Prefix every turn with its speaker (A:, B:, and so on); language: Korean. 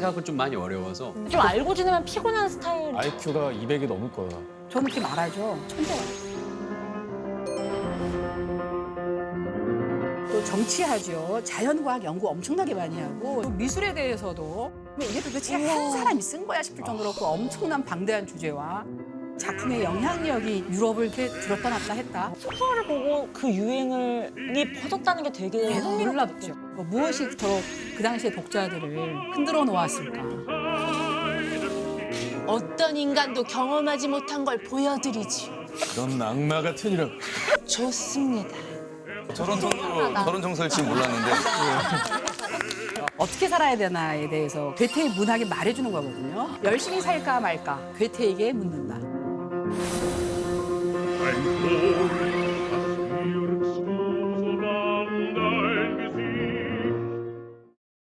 A: 이해하기 좀 많이 어려워서
B: 좀 알고 지내면 피곤한 스타일.
C: IQ가 200이 넘을 거야.
D: 저는 그렇게 말하죠. 천재야. 또 정치하죠. 자연과학 연구 엄청나게 많이 하고 또 미술에 대해서도 이게 도대체 한 사람이 쓴 거야 싶을 정도로 그 엄청난 방대한 주제와 작품의 영향력이 유럽을 이렇게 들었다 놨다 했다.
B: 소설을 보고 그 유행이 퍼졌다는 게 되게
D: 놀랍죠. 무엇이 그토록 그 당시의 독자들을 흔들어 놓았을까.
E: 어떤 인간도 경험하지 못한 걸 보여드리지.
C: 그런 악마 같은 이름.
E: 좋습니다.
F: 저런 정서일 지 몰랐는데.
D: 어떻게 살아야 되나에 대해서 괴테의 문학이 말해주는 거거든요. 열심히 살까 말까 괴테에게 묻는다.
G: Ein Vogel